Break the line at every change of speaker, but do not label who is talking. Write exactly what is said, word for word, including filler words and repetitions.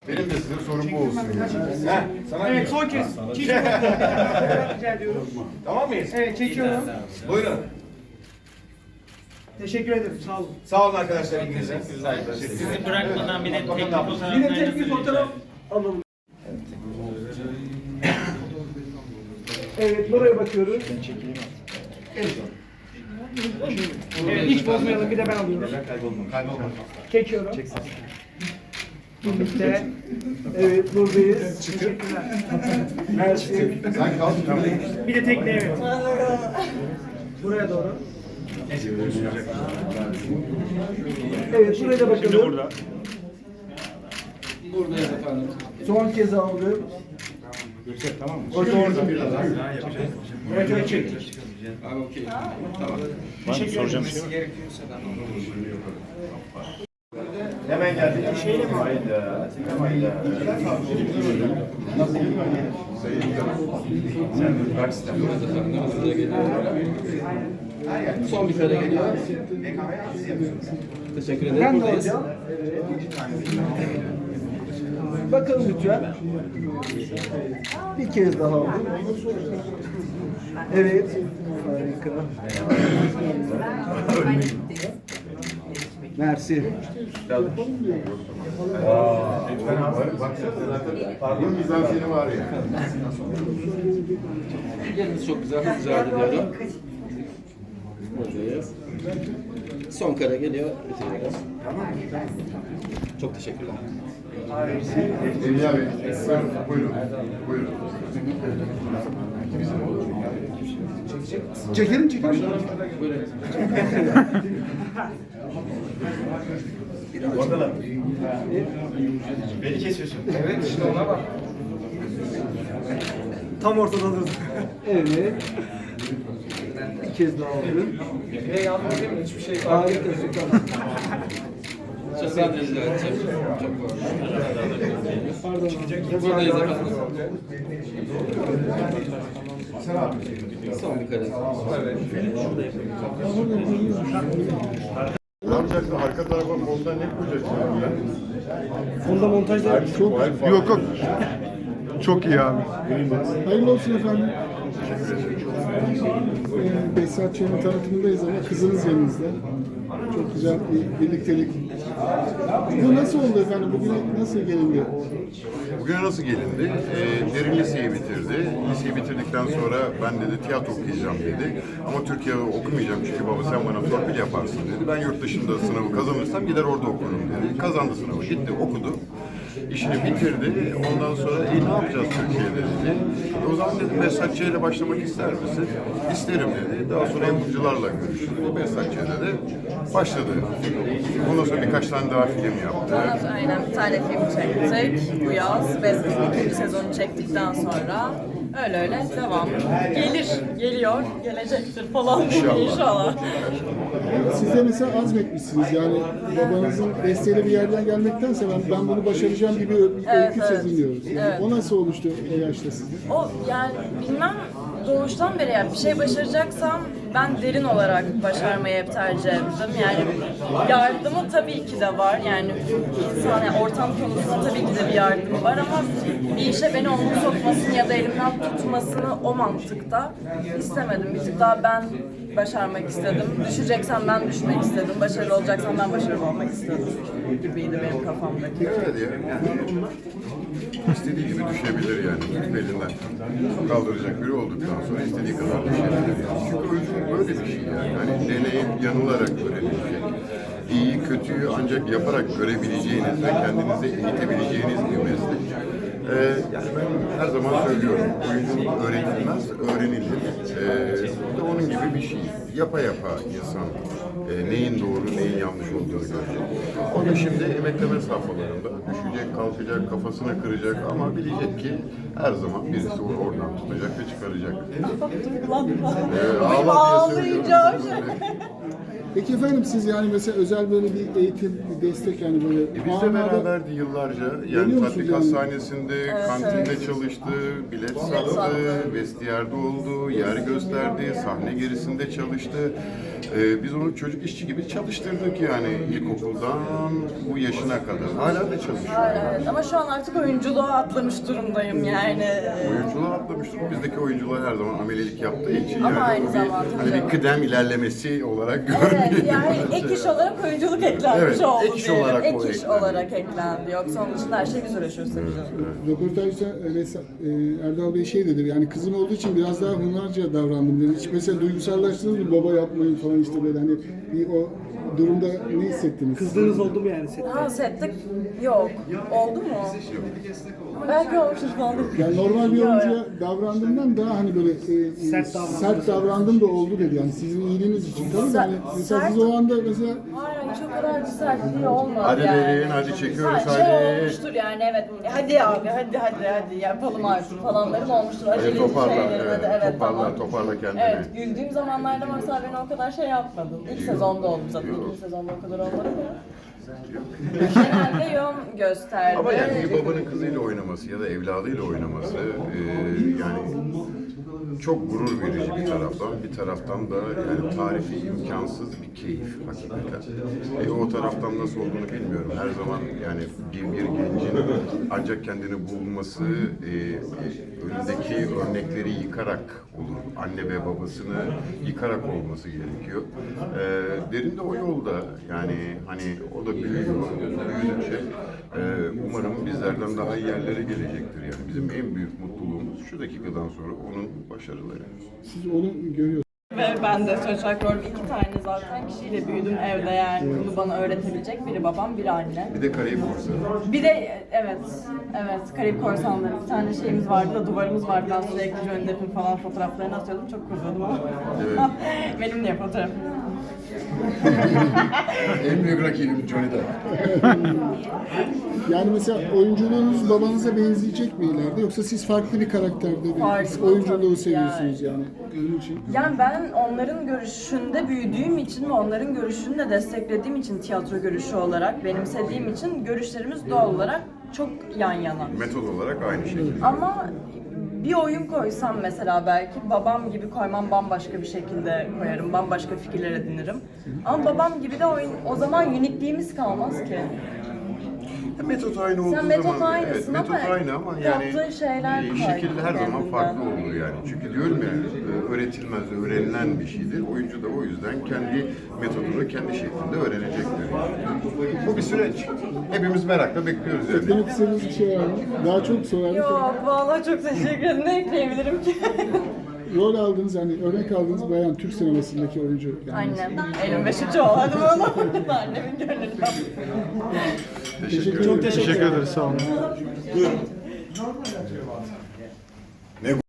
Benim de size sorum bu olsun yani.
Heh, sana
Evet, son kez. Çekiyorum. Rica ediyorum.
Tamam mıyız?
Evet, çekiyorum.
Buyurun.
Teşekkür ederim. Sağ olun.
Sağ olun arkadaşlar İngilizce.
Sizi bırakmadan bir de tek bir fotoğraf.
Yine tek bir fotoğraf alalım. Evet, buraya bakıyoruz. Ben çekeyim artık. Evet, hiç bozmayalım. Bir de ben alıyorum. Çekiyorum. Birlikte. Evet, buradayız. Teşekkürler. Mersi.
Sen kal.
Bir de tekne, evet. Buraya doğru. Evet, şuraya da bakalım. Burada.
Buradayız efendim.
Son kez aldım.
Göksel tamam mı?
Orada orada. Evet, evet, çektik.
Abi okey. Tamam.
Teşekkür ederim.
Hemen geldik. Şeyle mi? Hayda. Hayda. Nasıl gidiyor? Sen bırak sistem.
Buyurun efendim. Hızlıca geliyor. Son bir kare geliyor. Teşekkür ederim.
Ben de
Buradayız.
alacağım. Bakalım lütfen. Bir kez daha aldım. Evet. Harika. Mersi.
Lütfen abi. Baksana zaten pardon mizansiyeni var ya.
Yeriniz çok güzel. Hızlıca gidiyorum. Buradayız. Son kare geliyor. Bitiriyoruz. Çok teşekkürler.
Evliya Bey. Buyurun. Buyurun.
Çekelim çekelim.
Buyurun.
Orada beni kesiyorsun. Evet işte ona bak.
Tam ortadadır. Evet. Bir kez daha aldım.
Ve yardım edeyim mi? Hiçbir şey
Harika, süper.
Çok ben de rica edeceğim. Çok pardon. Buradayız efendim. Son bir kare.
Ne yapacaksın? Arka tarafa fonda ne koyacaksın?
Fonda montajda
Çok yok yok. Çok iyi abi.
Hayırlı olsun efendim. Ee, Behzat Ç'nin tanıtımındayız ama kızınız yanınızda. Çok güzel bir birliktelik. Bu nasıl oldu efendim? Bugüne nasıl gelindi?
Bugüne nasıl gelindi? Ee, derin liseyi bitirdi. Liseyi bitirdikten sonra ben dedi tiyatro okuyacağım dedi. Ama Türkiye'de okumayacağım çünkü baba sen bana torpil yaparsın dedi. Ben yurt dışında sınavı kazanırsam gider orada okurum dedi. Kazandı sınavı, gitti okudu. İşini bitirdi. Ondan sonra e, ne yapacağız Türkiye'de dedi. E, o zaman dedim Behzat Ç ile başlamak ister misin? İsterim dedi. Daha sonra yapımcılarla görüştü. Behzat Ç'de de başladı. Ondan sonra birkaç tane daha film yaptı.
Ondan sonra aynen bir tane film çektik bu yaz. Bezgin ikinci sezonu çektikten sonra öyle öyle devam. Gelir, geliyor, gelecektir falan
İnşallah.
inşallah.
Siz de mesela azmetmişsiniz. Yani babanızın desteğiyle bir yerden gelmektense ben, ben bunu başaracağım gibi bir öykü
Evet, evet.
seziliyoruz.
Evet.
O nasıl oluştu o yaşta sizde?
O yani bilmem doğuştan beri yani bir şey başaracaksam ben derin olarak başarmayı hep tercih ettim. Yani yardımı tabii ki de var. Yani insan yani ortam konusunda tabii ki de bir yardımı var ama bir işe beni onun sokmasını ya da elimden tutmasını o mantıkta istemedim. Bir tık daha ben başarmak istedim. Düşeceksem ben düşmek istedim. Başarılı olacaksam ben başarılı olmak istedim gibiydi benim kafamdaki.
Evet ya. Yani istediği gibi düşebilir yani. Belinden kaldıracak biri olduktan sonra istediği kadar düşebilir. Yani. Çünkü oyunculuk böyle bir şey yani. Hani deneyip yanılarak öğrenilecek. İyi, kötüyü ancak yaparak görebileceğiniz ve kendinizi eğitebileceğiniz bir meslek. Ee, yani ben her zaman söylüyorum, oyunculuk öğretilmez, öğrenilir. Ee, de onun gibi bir şey. Yapa yapa insan e, neyin doğru, neyin yanlış olduğunu görecek. O da şimdi emekleme safhalarında düşecek, kalkacak, kafasını kıracak ama bilecek ki her zaman birisi onu oradan tutacak ve çıkaracak. Ee, ağla diye söylüyorum.
Peki efendim siz yani mesela özel böyle bir eğitim, bir destek yani böyle...
E biz
o
de
anlarda-
beraberdi yıllarca. Yani
Geliyor musunuz
tatbik
yani?
hastanesinde, kantinde
evet.
çalıştı, bilet
sattı.
sattı, vestiyerde oldu, yer gösterdi, sahne gerisinde çalıştı. Ee, biz onu çocuk işçi gibi çalıştırdık yani ilkokuldan bu yaşına kadar. Hala da çalışıyor.
Evet, ama şu an artık oyunculuğa atlamış durumdayım yani.
Oyunculuğa atlamıştır. Bizdeki oyuncular her zaman amelilik yaptığı için
Ama
yani
aynı
bu bir,
zamanda
hani bir
canım.
kıdem ilerlemesi olarak
Evet,
görmüyor.
yani ek iş olarak oyunculuk eklenmiş
Evet,
oldu
ek iş
diyelim.
olarak
Ek
o
iş
eklendi.
olarak eklendi. Yoksa onun dışında her şey biz uğraşıyoruz tabii canım.
Röportajda Resa- e, Erdal Bey şey dedi, yani kızım olduğu için biraz daha hunharca davrandım dedi. Hiç mesela duygusallaştınız mı, baba yapmayın falan işte böyle hani bir o durumda ne hissettiniz?
Kızdığınız oldu mu yani sette?
Ha sette yok. Oldu mu? Belki olmuştur falan.
Yani normal bir oyuncuya davrandığından daha hani böyle e,
Sert davrandım.
sert davrandım da oldu dedi yani sizin iyiliğiniz için. Tabii de hani mesela
Sert-
siz o anda mesela
Hayır hiç o kadar bir sertliği olmadı
Hadi
yani.
verin, hadi çekiyoruz,
Ha, şey
hadi.
olmuştur yani evet. Hadi abi hadi hadi hadi yapalım artık falanlarım olmuştur.
Hadi
Acele
toparla,
şeylerim,
evet,
hadi, evet
toparla,
tamam.
toparla kendini.
Evet güldüğüm zamanlarda mesela beni o kadar şey yapmadın. İlk sezonda oldu zaten. İkinci sezonda o kadar olmadı mı? Genelde yön gösterdi.
Ama yani bir babanın kızıyla oynaması ya da evladıyla oynaması e, yani çok gurur verici bir taraftan, bir taraftan da yani tarifi imkansız bir keyif hakikaten. E, o taraftan nasıl olduğunu bilmiyorum. Her zaman yani bir, bir gencin ancak kendini bulması e, e, önündeki örnekleri yıkarak olur. Anne ve babasını yıkarak olması gerekiyor. E, Derin de o yolda yani hani o da büyüyor, büyüdükçe e, umarım bizlerden daha iyi yerlere gelecektir. Yani bizim en büyük mutluluğumuz şu dakikadan sonra onun başarıları.
siz onu görüyorsunuz.
Ve ben de söz olarak rol iki tane zaten kişiyle büyüdüm evde yani. Bunu bana öğretebilecek biri babam, biri anne.
Bir de Karayip Korsanı.
Bir de evet, evet Karayip Korsanları bir tane şeyimiz vardı da duvarımız vardı. Ben sürekli Johnny Depp'in falan fotoğraflarını atıyordum. Çok kızıyordum ama.
Evet.
Benim niye fotoğrafım?
En büyük rakibim Johnny Depp.
Yani mesela oyunculuğunuz babanıza benzeyecek mi ileride yoksa siz farklı bir karakterde bir
Farklı
oyunculuğu
tabii
seviyorsunuz yani? Onun için.
Yani ben onların görüşünde büyüdüğüm için ve onların görüşünü de desteklediğim için tiyatro görüşü olarak, benimsediğim için görüşlerimiz doğal olarak çok yan yana.
Metod olarak aynı şekilde.
Ama bir oyun koysam mesela belki babam gibi koymam bambaşka bir şekilde koyarım, bambaşka fikirler edinirim. Ama babam gibi de oyun, o zaman unikliğimiz kalmaz ki.
Metot aynı olduğu
Sen metot
zaman,
aynısın
evet, metot
ama
aynı ama yani
yaptığın şeyler
e,
farklı
şekil her zaman
kendinden.
farklı olur yani. Çünkü diyorum ya e, öğretilmez, öğrenilen bir şeydir. Oyuncu da o yüzden kendi metodunu kendi şeklinde öğrenecektir. Yani. Bu bir süreç. Hepimiz merakla bekliyoruz yani.
Eklemek istediğiniz bir şey var mı? Daha çok sorardık.
Yok vallahi çok teşekkür ederim. Ne ekleyebilirim ki?
Rol aldığınız yani örnek aldığınız bayan Türk sinemasındaki oyuncu. Yani
Annem. Elim beşinci ol hadi bunu. Annemin gönlünü yaptım.
Teşekkür ederim.
Çok
Teşekkür ederiz, sağ olun.